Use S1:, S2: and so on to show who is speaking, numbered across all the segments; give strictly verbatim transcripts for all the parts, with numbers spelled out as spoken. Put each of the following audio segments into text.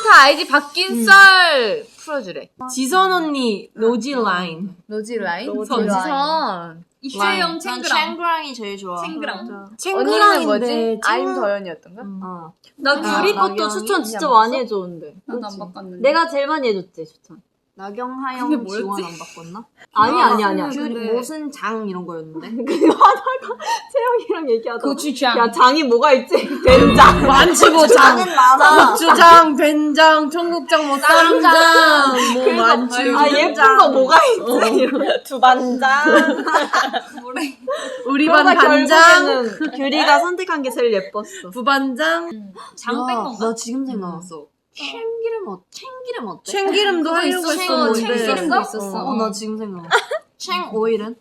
S1: 다 알지? 바뀐 썰 풀어주래.
S2: 지선 언니 노지 라인.
S1: 노지 라인?
S3: 노지
S1: 지선.
S3: 이채영
S4: 난
S3: 챙그랑.
S4: 챙그랑이 제일 좋아.
S3: 챙그랑.
S1: 언니는
S2: 챙그랑인데
S1: 뭐지? 아임
S2: 챙-
S1: 더연이었던가?
S2: 어.
S5: 나
S4: 아,
S5: 규리 것도
S4: 나경이?
S5: 추천 진짜
S1: 안
S5: 많이 해줬는데.
S3: 나도 안 바꿨는데.
S5: 내가 제일 많이 해줬지 추천.
S4: 나경,
S3: 그게
S4: 하영,
S3: 뭐였지?
S4: 지원 안 바꿨나?
S5: 아니 아니 아니야.
S4: 귤
S3: 근데-
S4: 무슨 장 이런 거였는데.
S5: 그거 하다가 채영이랑 얘기하다가
S3: 고추장.
S5: 야 장이 뭐가 있지? 된장.
S2: 많지 뭐
S4: 장은
S2: 장.
S4: 많아.
S2: 고추장, 된장, 청국장, 뭐 쌈장, 뭐 많지.
S5: 아 예쁜 거 뭐가 있지? 두반장.
S3: 뭐래?
S2: 우리 반
S5: 그러다
S2: 반장,
S5: 결국에는 규리가 선택한 게 제일 예뻤어.
S2: 부반장,
S3: 장 뺀
S4: 야,
S3: 건가?
S4: 나 지금 생각났어. 참기름 어, 참기름 어때?
S2: 참기름도 하려고
S3: 있었어.
S2: 했었는데.
S3: 참기름도 있었어.
S4: 어, 나 지금 생각났어. 챙 오일은?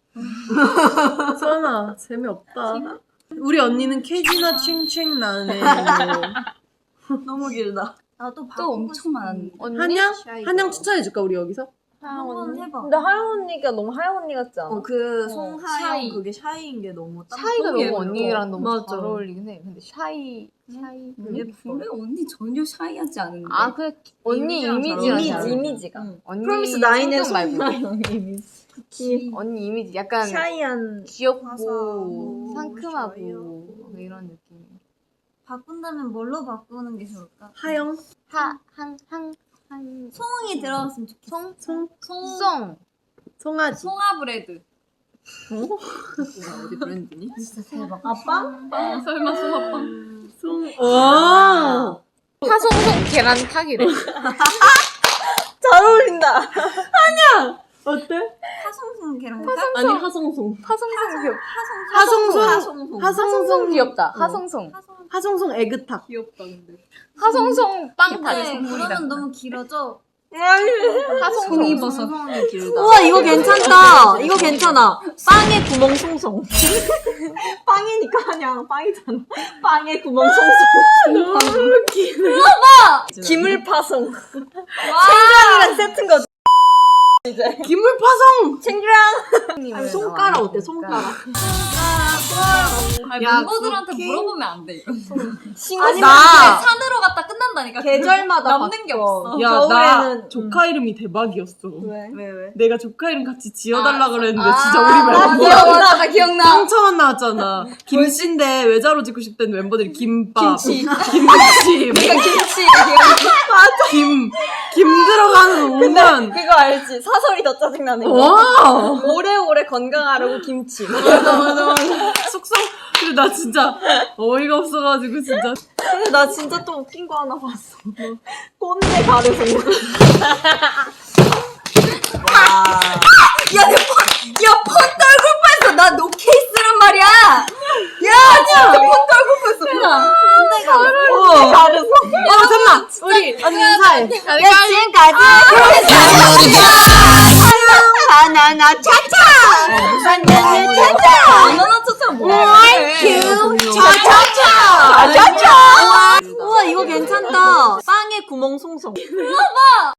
S2: 선아 재미없다. 우리 언니는 캐지나 챙챙 나네.
S4: 너무 길다. 나도
S3: 또 엄청 많았는데.
S1: 언니?
S2: 한양?
S4: 샤이가.
S2: 한양 추천해줄까 우리 여기서?
S4: 한번 해봐.
S5: 근데 하영 언니가 너무 하영 언니 같지 않아?
S4: 어, 그
S3: 어,
S4: 송하영
S3: 샤이.
S4: 그게 샤이인 게 너무 딱
S1: 샤이가 너무
S4: 예뻐.
S1: 언니랑 너무
S5: 맞아.
S1: 잘 어울리긴 해. 근데 샤이, 샤이.
S4: 예뻐.
S3: 그래 언니 전혀 샤이하지 않은데.
S1: 아, 그래. 언니
S4: 이미지랑 잘
S1: 이미지랑
S5: 이미지
S1: 잘 어울려.
S5: 이미지가.
S4: 응.
S1: 언니
S5: 프로미스 나인의
S1: 성격 말고.
S5: 송하영 이미지.
S3: 그치.
S1: 언니 이미지 약간
S5: 샤이한.
S1: 귀엽고
S4: 화사하고
S1: 상큼하고
S4: 좋아요.
S1: 뭐 이런 느낌.
S6: 바꾼다면 뭘로 바꾸는 게 좋을까?
S2: 하영?
S1: 하, 한, 한, 한.
S6: 송이 들어갔으면 좋겠어.
S1: 송,
S2: 송?
S3: 송
S1: 송.
S2: 송아지.
S3: 송아브레드.
S4: 어디 브랜드니?
S5: 아빠?
S3: 아, 설마 송아빵.
S2: 송. 와.
S1: 하송송 계란 타기래.
S5: 잘 어울린다.
S2: 어때?
S6: 하송송 걔랑
S2: 아니 하송송.
S1: 하송송 귀엽.
S2: 하송송.
S4: 하송송.
S1: 하송송 귀엽다.
S2: 어.
S1: 하송송.
S2: 하송송 애그탁.
S3: 귀엽다 근데.
S1: 하송송 빵 타기
S6: 네,
S1: 선물이다.
S6: 그러면 너무 길어져.
S1: 하송송.
S3: 송이버섯.
S4: 송송이 길다.
S5: 우와 이거 괜찮다. 이거 괜찮아. 빵에 구멍 송송. 빵이니까 그냥 빵이잖아. 빵에 구멍 송송.
S2: 너무 웃기네.
S5: 기물 파송. 챙그랑이랑 세트인 거지.
S2: 기물파송.
S5: 챙그랑. 아니, 손가락 어때? 손가락.
S3: 아니,
S2: 야,
S3: 멤버들한테
S2: 그렇게?
S3: 물어보면 안 돼 이거.
S5: 아니
S2: 나.
S5: 나
S3: 산으로 갔다 끝난다니까.
S5: 계절마다
S3: 남는 게
S5: 바꿔.
S3: 없어.
S2: 야, 나
S5: 겨울에는
S2: 조카 이름이 대박이었어.
S5: 왜?
S4: 왜 왜?
S2: 내가 조카 이름 같이 지어달라
S3: 아,
S2: 그랬는데
S3: 아,
S2: 진짜 우리
S3: 나
S2: 멤버
S3: 기억나, 나 기억나.
S2: 상처만 나왔잖아. 김씨인데 외자로 짓고 싶다는 멤버들이 김밥,
S5: 김치.
S2: 김치,
S3: 내가 김치.
S2: 김, 김 들어가는 오만.
S5: 그거 알지? 사설이 더 짜증나는 거.
S2: 와.
S5: 오래오래 건강하라고 김치.
S2: 맞아 맞아 맞아. 숙성. 근데 나 진짜 어이가 없어가지고 진짜.
S5: 근데 나 진짜 또 웃긴 거 하나 봤어. 꼰대 가르소.
S4: 야, 내 폰, 야, 폰 떨굴 뻔했어. 나 노케이스란 말이야. 야, 진짜 폰 떨굴 뻔했어.
S5: 꼰대 가르소.
S2: 어 잠만. 우리 언니 인사해.
S4: 야, 지금까지 바나나 차차. 바나나 차차.
S3: 바나나 차차 뭐야?
S4: 차차차. 차차차.
S5: 우와 이거 괜찮다. 빵에 구멍 송송.